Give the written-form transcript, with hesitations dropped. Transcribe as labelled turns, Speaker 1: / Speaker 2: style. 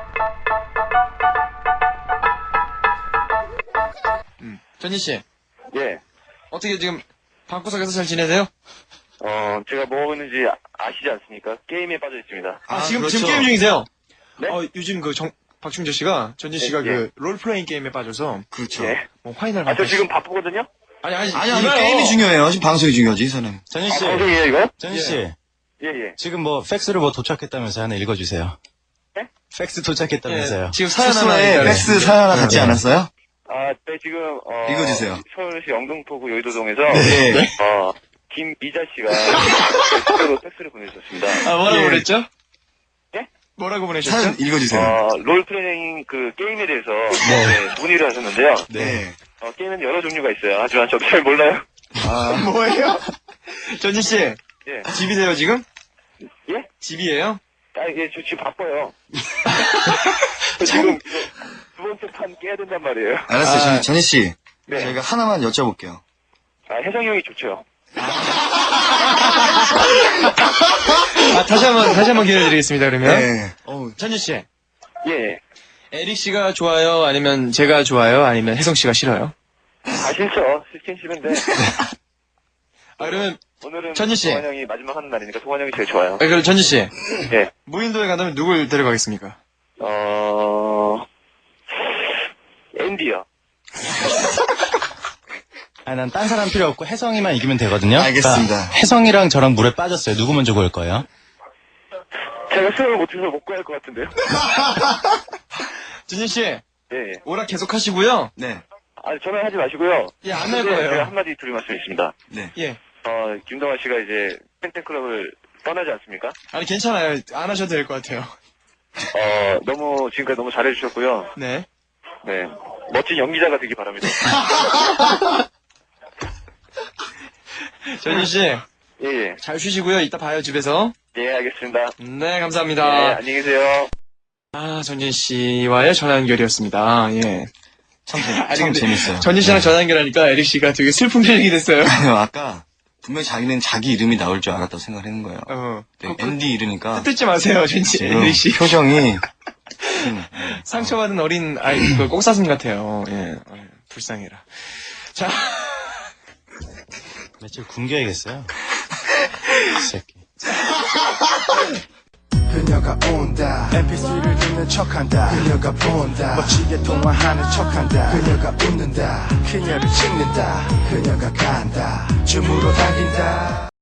Speaker 1: 전진 씨,
Speaker 2: 예.
Speaker 1: 어떻게 지금 방구석에서 잘 지내세요?
Speaker 2: 제가 뭐 하고 있는지 아시지 않습니까? 게임에 빠져 있습니다.
Speaker 1: 지금
Speaker 3: 그렇죠.
Speaker 1: 게임 중이세요?
Speaker 2: 네?
Speaker 1: 요즘 박충재 씨가, 전진 씨가
Speaker 2: 예.
Speaker 1: 롤플레잉 게임에 빠져서,
Speaker 3: 그렇죠.
Speaker 2: 예.
Speaker 1: 뭐, 화인을
Speaker 2: 저 지금 바쁘거든요?
Speaker 3: 아니, 게임이 중요해요. 지금 방송이 중요하지, 저는.
Speaker 4: 전진 씨,
Speaker 2: 방송이에요, 이거?
Speaker 4: 전진 씨,
Speaker 2: 예, 예.
Speaker 4: 지금 뭐 팩스를 뭐 도착했다면서 하나 읽어주세요.
Speaker 2: 네?
Speaker 4: 팩스 도착했다면서요.
Speaker 1: 지금 사연 하나
Speaker 3: 숙소에
Speaker 1: 있다네.
Speaker 3: 팩스 사연 하나 같지 않았어요?
Speaker 2: 네, 지금,
Speaker 3: 읽어주세요.
Speaker 2: 서울시 영등포구 여의도동에서,
Speaker 3: 네.
Speaker 2: 김미자 씨가, 팩스로 팩스를 보내주셨습니다.
Speaker 1: 뭐라고
Speaker 3: 예.
Speaker 1: 보냈죠?
Speaker 2: 예?
Speaker 1: 뭐라고 보내셨죠?
Speaker 3: 사연 읽어주세요.
Speaker 2: 롤플레잉 그 게임에 대해서, 문의를 하셨는데요.
Speaker 3: 네.
Speaker 2: 게임은 여러 종류가 있어요. 하지만 저도 잘 몰라요.
Speaker 1: 뭐예요? 전진 씨,
Speaker 2: 예.
Speaker 1: 집이세요, 지금?
Speaker 2: 예?
Speaker 1: 집이에요?
Speaker 2: 예, 저 지금 바빠요. 저 지금 두 번째 판 깨야 된단 말이에요.
Speaker 3: 알았어요, 전희 씨.
Speaker 2: 네.
Speaker 3: 저희가 하나만 여쭤볼게요.
Speaker 2: 혜성이 형이 좋죠.
Speaker 1: 다시 한번 기회 드리겠습니다, 그러면.
Speaker 3: 네.
Speaker 1: 전진 씨,
Speaker 2: 예, 예.
Speaker 1: 에릭 씨가 좋아요? 아니면 제가 좋아요? 아니면 혜성 씨가 싫어요?
Speaker 2: 싫죠. 싫긴 싫은데.
Speaker 1: 그러면,
Speaker 2: 오늘은
Speaker 1: 전지 씨.
Speaker 2: 동환 형이 마지막 하는 날이니까 동환 형이 제일 좋아요.
Speaker 1: 그럼 전진 씨,
Speaker 2: 예.
Speaker 1: 무인도에 간다면 누굴 데려가겠습니까?
Speaker 2: 앤디요.
Speaker 4: 난 딴 사람 필요 없고 혜성이만 이기면 되거든요.
Speaker 3: 알겠습니다.
Speaker 4: 그러니까 혜성이랑 저랑 물에 빠졌어요. 누구 먼저 구할 거예요?
Speaker 2: 제가 수영을 못해서 못 구할 것 같은데요.
Speaker 1: 전진 씨,
Speaker 2: 예, 예.
Speaker 1: 오락 계속 하시고요.
Speaker 3: 네.
Speaker 2: 전화 하지 마시고요.
Speaker 1: 예, 안 할
Speaker 2: 제가
Speaker 1: 거예요.
Speaker 2: 한마디 드릴 말씀이 있습니다.
Speaker 3: 네.
Speaker 1: 예.
Speaker 2: 김동환 씨가 이제 팬클럽을 떠나지 않습니까?
Speaker 1: 아니, 괜찮아요. 안 하셔도 될 것 같아요.
Speaker 2: 지금까지 너무 잘해주셨고요.
Speaker 1: 네.
Speaker 2: 네. 멋진 연기자가 되기 바랍니다.
Speaker 1: 전진 씨,
Speaker 2: 예, 예.
Speaker 1: 잘 쉬시고요. 이따 봐요, 집에서.
Speaker 2: 예, 알겠습니다.
Speaker 1: 네,
Speaker 2: 예,
Speaker 1: 감사합니다.
Speaker 2: 안녕히 계세요.
Speaker 1: 전진 씨와의 전화 연결이었습니다. 예.
Speaker 3: 참
Speaker 1: 근데
Speaker 3: 재밌어요.
Speaker 1: 전진 씨랑 전화 연결하니까 에릭 씨가 되게 슬픈 표정이 됐어요.
Speaker 3: 아까 분명히 자기는 자기 이름이 나올 줄 알았다고 생각하는 거예요. 네, 앤디 이러니까
Speaker 1: 뜯지 마세요, 전진
Speaker 3: 지금
Speaker 1: 에릭 씨.
Speaker 3: 표정이
Speaker 1: 상처받은 어린 아이, 꽁사슴 같아요. 예. 불쌍해라. 자.
Speaker 4: 며칠 굶겨야겠어요. 이 새끼.
Speaker 5: 그녀가 온다 mp3를 듣는 척한다 그녀가 본다 멋지게 통화하는 척한다 그녀가 웃는다 그녀를 찍는다 그녀가 간다 줌으로 당긴다